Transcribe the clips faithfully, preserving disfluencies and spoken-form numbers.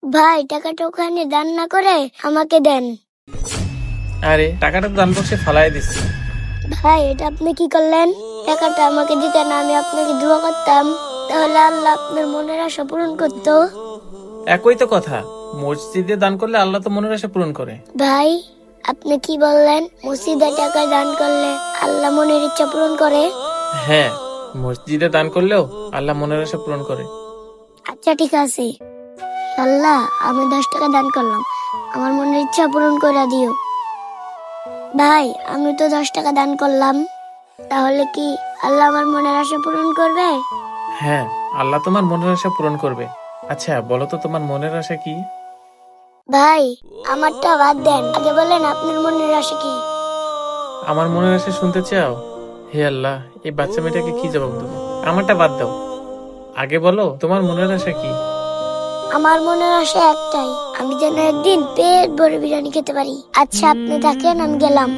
ভাই টাকাটা ওখানে দান না করে আমাকে দেন। আরে টাকাটা তো দান বক্সে ফালাই দিচ্ছি। ভাই এটা আপনি কি করলেন? টাকাটা আমাকে দিতেন, আমি আপনাকে দোয়া করতাম, তাহলে আল্লাহ আপনার মনের আশা পূরণ করতো। একই তো কথা, মসজিদে দান করলে আল্লাহ তো মনের আশা পূরণ করে। ভাই আপনি কি বললেন মসজিদে টাকা দান করলে আল্লাহ মনের ইচ্ছা পূরণ করে? হ্যাঁ, মসজিদে দান করলেও আল্লাহ মনের আশা পূরণ করে। আচ্ছা ঠিক আছে, আল্লাহ আমি দশ টাকা দান করলাম, আমার মনের ইচ্ছা পূরণ করে দিও। ভাই আমি তো দশ টাকা দান করলাম, তাহলে কি আল্লাহ আমার মনের আশা পূরণ করবে? হ্যাঁ, আল্লাহ তোমার মনের আশা পূরণ করবে। আচ্ছা বলো তো তোমার মনের আশা কি? ভাই আমারটা বাদ দেন, আগে বলেন আপনার মনের আশা কি? আমার মনের আশা শুনতে চাও? হে আল্লাহ, এই বাচ্চা মেয়েটাকে কি জবাব দেবো? আমারটা বাদ দাও, আগে বলো তোমার মনের আশা কি? আমার মনের আশা একটাই, আমি যেন একদিন পেট ভরে বিরিয়ানি খেতে পারি। আচ্ছা আপনি থাকেন, আমি গেলাম।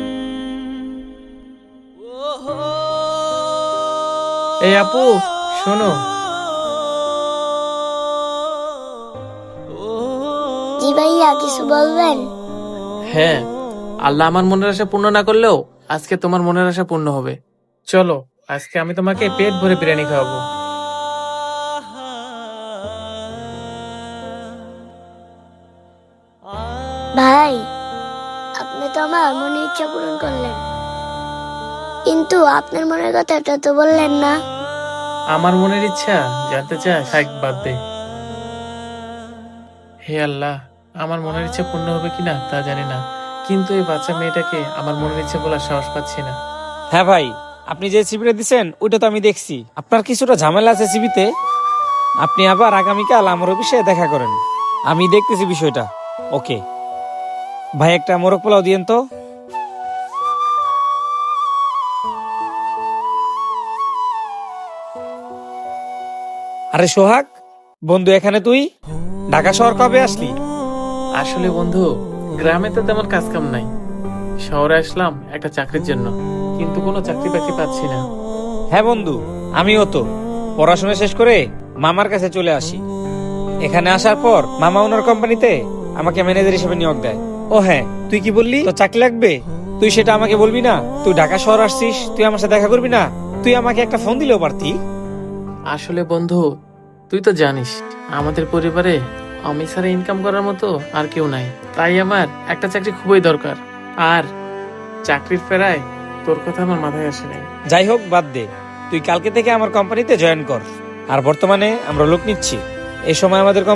এই আপু, শোনো। জি ভাইয়া কিছু বলবেন? হ্যাঁ, আল্লাহ আমার মনের আশা পূর্ণ না করলেও আজকে তোমার মনের আশা পূর্ণ হবে। চলো, আজকে আমি তোমাকে পেট ভরে বিরিয়ানি খাওয়াবো। ভাই আপনি তো আমার মনের ইচ্ছা পূরণ করলেন, কিন্তু আপনার মনের কথাটা তো বললেন না। আমার মনের ইচ্ছা জানতে চাস? থাক, বাদ দে। হে আল্লাহ, আমার মনের ইচ্ছা পূর্ণ হবে কিনা তা জানি না, কিন্তু এই বাচ্চা মেয়েটাকে আমার মনের ইচ্ছা বলার সাহস পাচ্ছি না। হ্যাঁ ভাই, আপনি যে সিবিটা দিচ্ছেন ওইটা তো আমি দেখছি। আপনার কিছুটা ঝামেলা আছে সিবিতে। আপনি আবার আগামীকাল আমার অফিসে দেখা করেন, আমি দেখতেছি বিষয়টা। ওকে ভাই, একটা মোরগ পোলাও দিয়েন তো। আরে সোহাগ বন্ধু, এখানে তুই ঢাকা শহর কবে আসলি? আসলে বন্ধু, গ্রামে তো তেমন কাজ কাম নাই, শহরে আসলাম একটা চাকরির জন্য, কিন্তু কোনো চাকরি বাকরি পাচ্ছি না। হ্যাঁ বন্ধু, আমিও তো পড়াশোনা শেষ করে মামার কাছে চলে আসি। এখানে আসার পর মামা ওনার কোম্পানিতে আমাকে ম্যানেজার হিসেবে নিয়োগ দেয়। ও হ্যাঁ, তুই কি বললি তো চাকরি লাগবে? তুই সেটা আমাকে বলবি না? তুই ঢাকা শহর আসছিস, তুই আমার সাথে দেখা করবি না? তুই আমাকে একটা ফোন দিলেও পারতি। আসলে বন্ধু, তুই তো জানিস আমাদের পরিবারে আমি ছাড়া ইনকাম করার মতো আর কেউ নাই, তাই আমার একটা চাকরি খুবই দরকার। আর চাকরির ফেরায় তোর কথা আমার মাথায় আসে নাই। যাই হোক বাদ দে, তুই কালকে থেকে আমার কোম্পানিতে জয়েন কর। আর বর্তমানে আমরা লোক নিচ্ছি, এই সময় আমাদের